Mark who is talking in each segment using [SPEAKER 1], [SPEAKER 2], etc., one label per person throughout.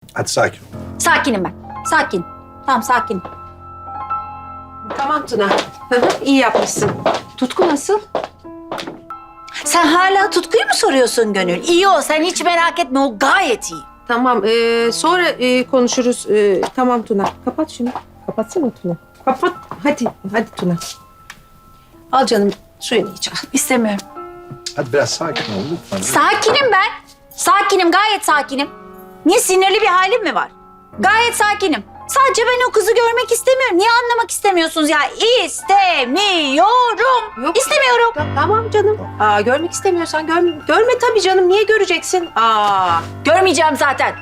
[SPEAKER 1] Hadi sakin ol.
[SPEAKER 2] Sakinim ben. Sakin. Tamam sakin.
[SPEAKER 3] Tamam Tuna. İyi yapmışsın. Tutku nasıl?
[SPEAKER 2] Sen hala Tutku'yu mu soruyorsun Gönül? İyi o. Sen hiç merak etme. O gayet iyi.
[SPEAKER 3] Tamam. Sonra konuşuruz. Tamam Tuna. Kapat şunu. Kapatsana Tuna. Kapat. Hadi. Hadi Tuna. Al canım suyunu iç al.
[SPEAKER 2] İstemiyorum.
[SPEAKER 1] Hadi biraz sakin ol lütfen.
[SPEAKER 2] Sakinim ben. Sakinim. Gayet sakinim. Niye sinirli bir halim mi var? Gayet sakinim. Sadece ben o kızı görmek istemiyorum. Niye anlamak istemiyorsunuz ya? İstemiyorum.
[SPEAKER 3] Yok.
[SPEAKER 2] İstemiyorum.
[SPEAKER 3] Tamam canım. Görmek istemiyorsan görme tabii canım. Niye göreceksin?
[SPEAKER 2] Görmeyeceğim zaten.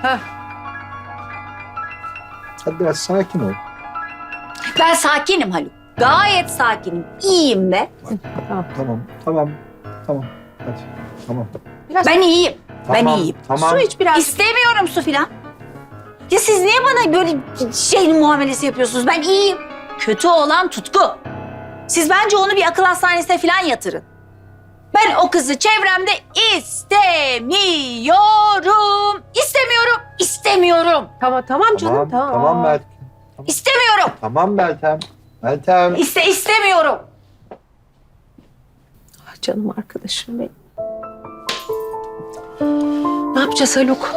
[SPEAKER 1] Hadi biraz sakin ol.
[SPEAKER 2] Ben sakinim Haluk. Gayet sakinim. İyiyim de.
[SPEAKER 1] Tamam. Hadi. Tamam.
[SPEAKER 2] Ben iyiyim. Ben
[SPEAKER 1] Tamam,
[SPEAKER 2] iyiyim.
[SPEAKER 1] Tamam.
[SPEAKER 3] Su iç biraz.
[SPEAKER 2] İstemiyorum su filan. Ya siz niye bana böyle muamelesi yapıyorsunuz? Ben iyiyim. Kötü olan Tutku. Siz bence onu bir akıl hastanesine filan yatırın. Ben o kızı çevremde istemiyorum. İstemiyorum.
[SPEAKER 3] Tamam canım.
[SPEAKER 1] Tamam Meltem.
[SPEAKER 2] İstemiyorum.
[SPEAKER 1] Tamam Meltem. Meltem.
[SPEAKER 2] İstemiyorum.
[SPEAKER 3] Canım arkadaşım benim. Ne yapacağız Haluk?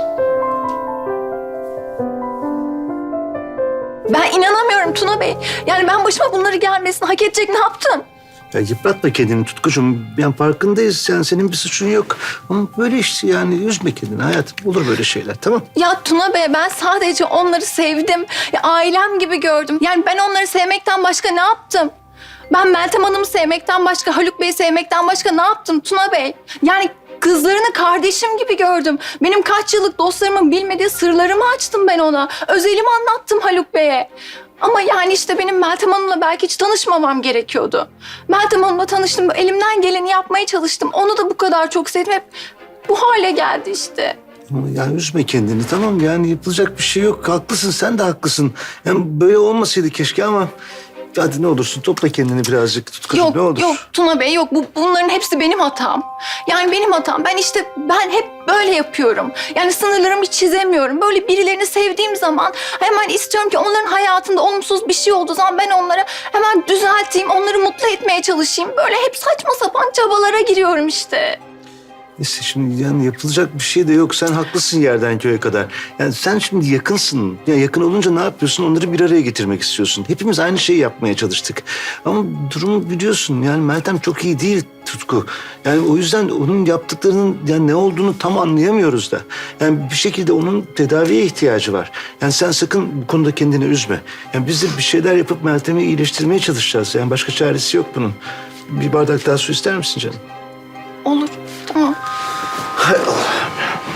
[SPEAKER 4] Ben inanamıyorum Tuna Bey. Yani ben başıma bunları gelmesini hak edecek ne yaptım?
[SPEAKER 5] Ya yıpratma kendini Tutkucuğum. Yani farkındayız. Yani senin bir suçun yok. Ama böyle işte yani üzme kendini hayatım. Olur böyle şeyler tamam.
[SPEAKER 4] Ya Tuna Bey ben sadece onları sevdim. Ya ailem gibi gördüm. Yani ben onları sevmekten başka ne yaptım? Ben Meltem Hanım'ı sevmekten başka, Haluk Bey'i sevmekten başka ne yaptım Tuna Bey? Yani kızlarını kardeşim gibi gördüm. Benim kaç yıllık dostlarımın bilmediği sırlarımı açtım ben ona. Özelimi anlattım Haluk Bey'e. Ama yani işte benim Meltem Hanım'la belki hiç tanışmamam gerekiyordu. Meltem Hanım'la tanıştım, elimden geleni yapmaya çalıştım. Onu da bu kadar çok sevdim. Hep bu hale geldi işte.
[SPEAKER 5] Ama yani üzme kendini tamam. Yani yapılacak bir şey yok. Haklısın sen de haklısın. Yani böyle olmasaydı keşke ama... Hadi ne olursun topla kendini birazcık Tutkucuğum
[SPEAKER 4] Yok
[SPEAKER 5] ne olur.
[SPEAKER 4] yok Tuna Bey yok. Bunların hepsi benim hatam. Yani benim hatam. Ben hep böyle yapıyorum. Yani sınırlarımı hiç çizemiyorum. Böyle birilerini sevdiğim zaman hemen istiyorum ki onların hayatında olumsuz bir şey olduğu zaman ben onları hemen düzelteyim. Onları mutlu etmeye çalışayım. Böyle hep saçma sapan çabalara giriyorum işte.
[SPEAKER 5] Neyse şimdi yani yapılacak bir şey de yok. Sen haklısın yerden köye kadar. Yani sen şimdi yakınsın. Ya yakın olunca ne yapıyorsun? Onları bir araya getirmek istiyorsun. Hepimiz aynı şeyi yapmaya çalıştık. Ama durumu biliyorsun. Yani Meltem çok iyi değil Tutku. Yani o yüzden onun yaptıklarının yani ne olduğunu tam anlayamıyoruz da. Yani bir şekilde onun tedaviye ihtiyacı var. Yani sen sakın bu konuda kendini üzme. Yani biz de bir şeyler yapıp Meltem'i iyileştirmeye çalışacağız. Yani başka çaresi yok bunun. Bir bardak daha su ister misin canım?
[SPEAKER 4] Olur. Tamam.
[SPEAKER 5] Hay Allah'ım.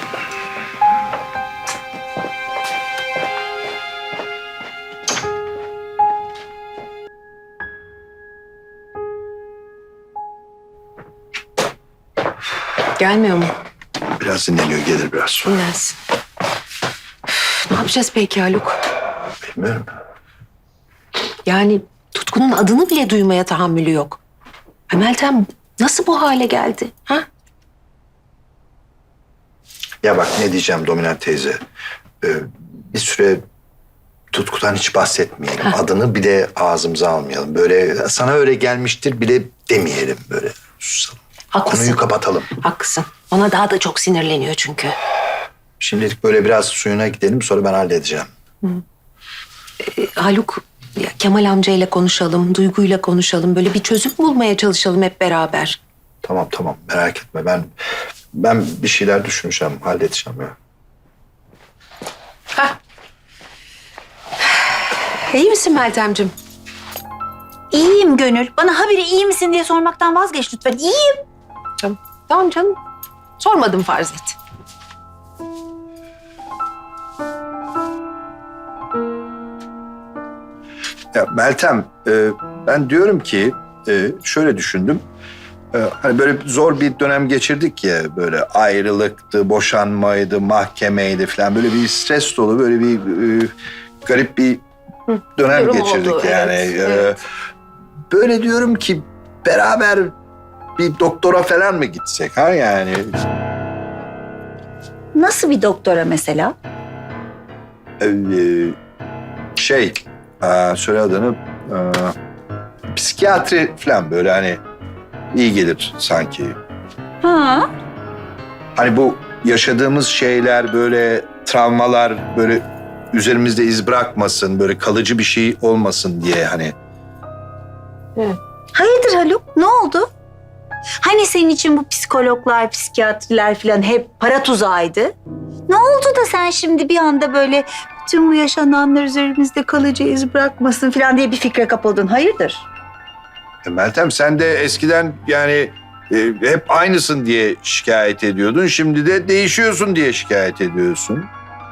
[SPEAKER 3] Gelmiyor mu?
[SPEAKER 1] Biraz dinleniyor gelir biraz sonra.
[SPEAKER 3] Dinlensin. Ne yapacağız peki Haluk?
[SPEAKER 1] Bilmiyorum.
[SPEAKER 3] Yani Tutku'nun adını bile duymaya tahammülü yok. Meltem nasıl bu hale geldi? Ha?
[SPEAKER 1] Ya bak ne diyeceğim Dominant teyze. Bir süre Tutku'dan hiç bahsetmeyelim. Adını bile ağzımıza almayalım. Böyle sana öyle gelmiştir bile demeyelim böyle. Susalım.
[SPEAKER 3] Haklısın.
[SPEAKER 1] Konuyu kapatalım.
[SPEAKER 3] Haklısın. Ona daha da çok sinirleniyor çünkü.
[SPEAKER 1] Şimdilik böyle biraz suyuna gidelim sonra ben halledeceğim.
[SPEAKER 3] Haluk, ya Kemal amcayla konuşalım, Duygu'yla konuşalım. Böyle bir çözüm bulmaya çalışalım hep beraber.
[SPEAKER 1] Tamam merak etme ben bir şeyler düşüneceğim halledeceğim ya.
[SPEAKER 3] İyi misin Meltemciğim?
[SPEAKER 2] İyiyim Gönül. Bana habire iyi misin diye sormaktan vazgeç lütfen. İyiyim.
[SPEAKER 3] Tamam canım. Sormadım farz et.
[SPEAKER 1] Ya Meltem ben diyorum ki şöyle düşündüm. Hani böyle zor bir dönem geçirdik ya böyle ayrılıktı, boşanmaydı, mahkemeydi falan böyle bir stres dolu böyle bir garip bir dönem
[SPEAKER 3] Durum
[SPEAKER 1] geçirdik
[SPEAKER 3] oldu,
[SPEAKER 1] yani.
[SPEAKER 3] evet.
[SPEAKER 1] Böyle diyorum ki beraber bir doktora falan mı gitsek ha yani?
[SPEAKER 2] Nasıl bir doktora mesela?
[SPEAKER 1] Söyle adını. Psikiyatri falan böyle hani iyi gelir sanki.
[SPEAKER 2] Ha?
[SPEAKER 1] Hani bu yaşadığımız şeyler böyle travmalar böyle üzerimizde iz bırakmasın, böyle kalıcı bir şey olmasın diye hani.
[SPEAKER 2] Hayırdır Haluk? Ne oldu? Hani senin için bu psikologlar, psikiyatriler falan hep para tuzağıydı? Ne oldu da sen şimdi bir anda böyle bütün bu yaşananlar üzerimizde kalıcı iz bırakmasın falan diye bir fikre kapıldın? Hayırdır?
[SPEAKER 1] Meltem sen de eskiden yani hep aynısın diye şikayet ediyordun. Şimdi de değişiyorsun diye şikayet ediyorsun.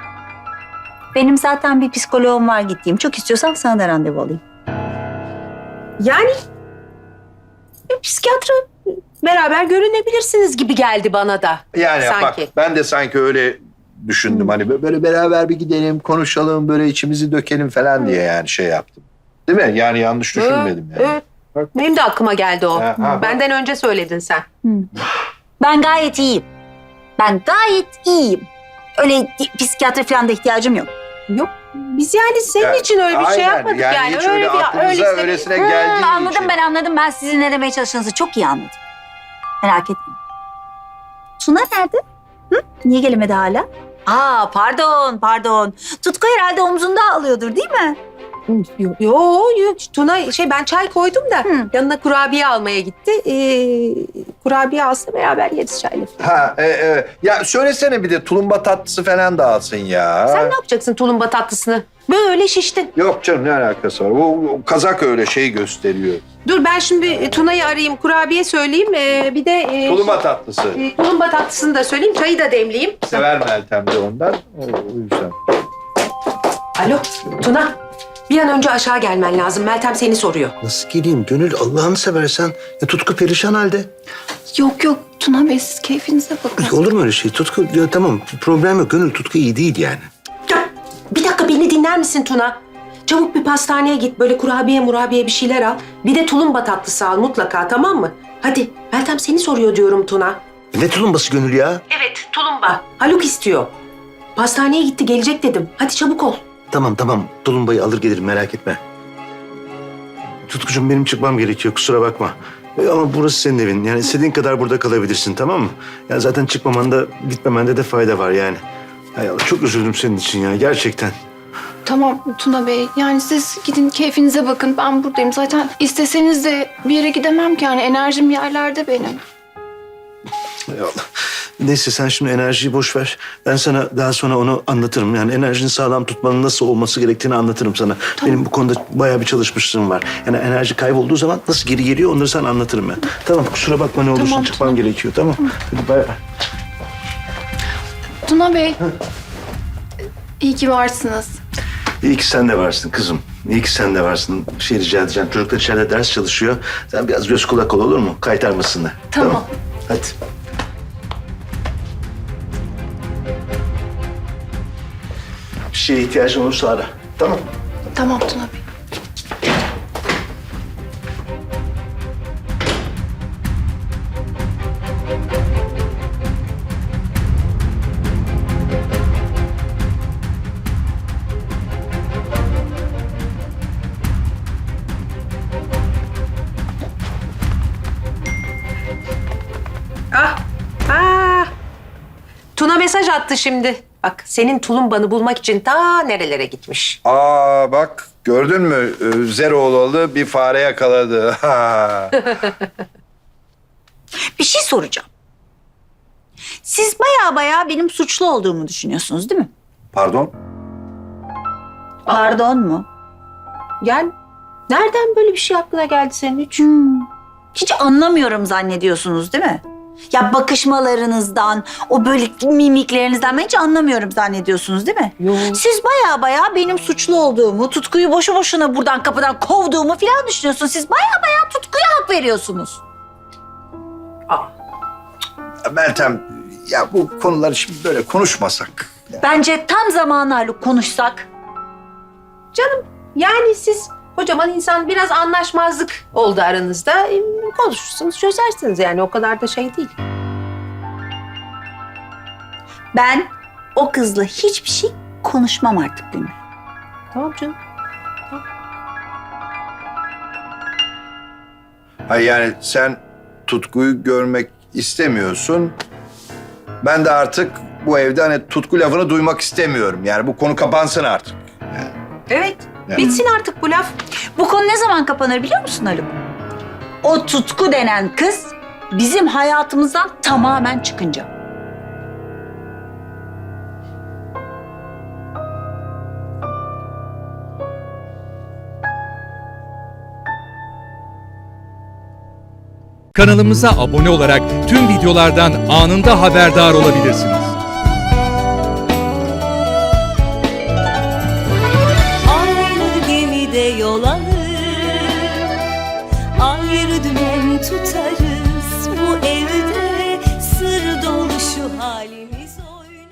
[SPEAKER 2] Benim zaten bir psikoloğum var gittiğim. Çok istiyorsan sana da randevu alayım.
[SPEAKER 3] Yani bir psikiyatra beraber görünebilirsiniz gibi geldi bana da.
[SPEAKER 1] Yani
[SPEAKER 3] sanki.
[SPEAKER 1] bak ben de sanki öyle düşündüm. Hani böyle beraber bir gidelim, konuşalım, böyle içimizi dökelim falan diye yani şey yaptım. Değil mi? Yani yanlış düşünmedim yani.
[SPEAKER 3] Evet. Benim de aklıma geldi o.
[SPEAKER 1] Ha.
[SPEAKER 3] Benden önce söyledin sen.
[SPEAKER 2] Ben gayet iyiyim. Ben gayet iyiyim. Öyle psikiyatri falan da ihtiyacım yok.
[SPEAKER 3] Yok. Biz yani senin
[SPEAKER 1] Yani,
[SPEAKER 3] için öyle bir şey
[SPEAKER 1] aynen.
[SPEAKER 3] yapmadık
[SPEAKER 1] Yani
[SPEAKER 3] yani.
[SPEAKER 1] hiç öyle aklımıza öylesine geldiği
[SPEAKER 2] Anladım
[SPEAKER 1] için.
[SPEAKER 2] ben anladım. Ben sizin ne demeye çalıştığınızı çok iyi anladım. Merak etmeyin. Tuna nerede? Hı? Niye gelemedi hala? Pardon. Tutku herhalde omzunda ağlıyordur değil mi?
[SPEAKER 3] Yok. Tuna ben çay koydum da
[SPEAKER 2] Hı.
[SPEAKER 3] yanına kurabiye almaya gitti. Kurabiye alsa beraber yeriz çayla.
[SPEAKER 1] Evet. Ya söylesene bir de tulumba tatlısı falan da alsın ya.
[SPEAKER 3] Sen ne yapacaksın tulumba tatlısını? Böyle şiştin.
[SPEAKER 1] Yok canım ne alakası var? O kazak öyle şey gösteriyor.
[SPEAKER 3] Dur ben şimdi Tuna'yı arayayım, kurabiye söyleyeyim. Bir de
[SPEAKER 1] Tulumba tatlısı.
[SPEAKER 3] tulumba tatlısını da söyleyeyim, çayı da demleyeyim.
[SPEAKER 1] Sever Meltem de ondan. O yüzden.
[SPEAKER 3] Alo Tuna, bir an önce aşağı gelmen lazım. Meltem seni soruyor.
[SPEAKER 5] Nasıl geleyim Gönül Allah'ını seversen. Ya Tutku perişan halde.
[SPEAKER 4] Yok Tuna Bey siz keyfinize bakın.
[SPEAKER 5] Olur mu öyle şey? Tutku ya tamam problem yok. Gönül Tutku iyi değil yani.
[SPEAKER 3] Ya, bir dakika beni dinler misin Tuna? Çabuk bir pastaneye git, böyle murabiye bir şeyler al. Bir de tulumba tatlısı al mutlaka, tamam mı? Hadi, Meltem seni soruyor diyorum Tuna.
[SPEAKER 5] Ne tulumbası Gönül ya?
[SPEAKER 3] Evet, tulumba. Haluk istiyor. Pastaneye gitti, gelecek dedim. Hadi çabuk ol.
[SPEAKER 5] Tamam tulumbayı alır gelirim merak etme. Tutkucuğum benim çıkmam gerekiyor kusura bakma. Ama burası senin evin. Yani istediğin kadar burada kalabilirsin tamam mı? Ya zaten çıkmamanda gitmemende de fayda var yani. Hay Allah çok üzüldüm senin için ya gerçekten.
[SPEAKER 4] Tamam Tuna Bey. Yani siz gidin keyfinize bakın. Ben buradayım. Zaten isteseniz de bir yere gidemem ki. Yani enerjim yerlerde benim.
[SPEAKER 5] Hay Allah. Neyse sen şimdi enerjiyi boş ver. Ben sana daha sonra onu anlatırım. Yani enerjini sağlam tutmanın nasıl olması gerektiğini anlatırım sana. Benim bu konuda bayağı bir çalışmışlığım var. Yani enerji kaybolduğu zaman nasıl geri geliyor onları sana anlatırım ben. Tamam kusura bakma ne olursun
[SPEAKER 4] Tamam,
[SPEAKER 5] çıkmam gerekiyor tamam. Hadi bay bay.
[SPEAKER 4] Tuna Bey. İyi ki varsınız.
[SPEAKER 5] İyi ki sen de varsın kızım. İyi ki sen de varsın. Bir şey rica edeceğim. Çocuklar içeride ders çalışıyor. Sen biraz göz kulak ol olur mu? Kaytarmasınlar.
[SPEAKER 4] Tamam.
[SPEAKER 5] Hadi. Bir şeye ihtiyacın olursa ara. Tamam.
[SPEAKER 4] Tamam Tuna Bey.
[SPEAKER 3] Tuna mesaj attı şimdi. Bak senin tulumbanı bulmak için ta nerelere gitmiş.
[SPEAKER 1] Bak gördün mü? Zeroğlu bir fare yakaladı. Ha.
[SPEAKER 2] Bir şey soracağım. Siz baya benim suçlu olduğumu düşünüyorsunuz değil mi?
[SPEAKER 1] Pardon?
[SPEAKER 2] Pardon mu?
[SPEAKER 3] Yani nereden böyle bir şey aklına geldi senin hiç?
[SPEAKER 2] Hiç anlamıyorum zannediyorsunuz değil mi? Ya bakışmalarınızdan, o böyle mimiklerinizden ben hiç anlamıyorum zannediyorsunuz değil mi?
[SPEAKER 3] Yok.
[SPEAKER 2] Siz baya benim suçlu olduğumu, Tutku'yu boşu boşuna buradan kapıdan kovduğumu falan düşünüyorsunuz. Siz baya Tutku'ya hak veriyorsunuz.
[SPEAKER 1] Meltem ya bu konuları şimdi böyle konuşmasak.
[SPEAKER 2] Bence tam zamanı Haluk konuşsak.
[SPEAKER 3] Canım yani siz kocaman insan biraz anlaşmazlık oldu aranızda. Konuşursunuz çözersiniz yani o kadar da şey değil.
[SPEAKER 2] Ben o kızla hiçbir şey konuşmam artık Gönül.
[SPEAKER 3] Tamam canım.
[SPEAKER 1] Hayır yani sen Tutku'yu görmek istemiyorsun. Ben de artık bu evde hani Tutku lafını duymak istemiyorum. Yani bu konu kapansın artık.
[SPEAKER 3] Evet.
[SPEAKER 1] Yani.
[SPEAKER 3] Bitsin artık bu laf.
[SPEAKER 2] Bu konu ne zaman kapanır biliyor musun Haluk? O Tutku denen kız bizim hayatımızdan tamamen çıkınca.
[SPEAKER 6] Kanalımıza abone olarak tüm videolardan anında haberdar olabilirsiniz.
[SPEAKER 7] Aynı gemide yol alır, ayrı dümen tutarız.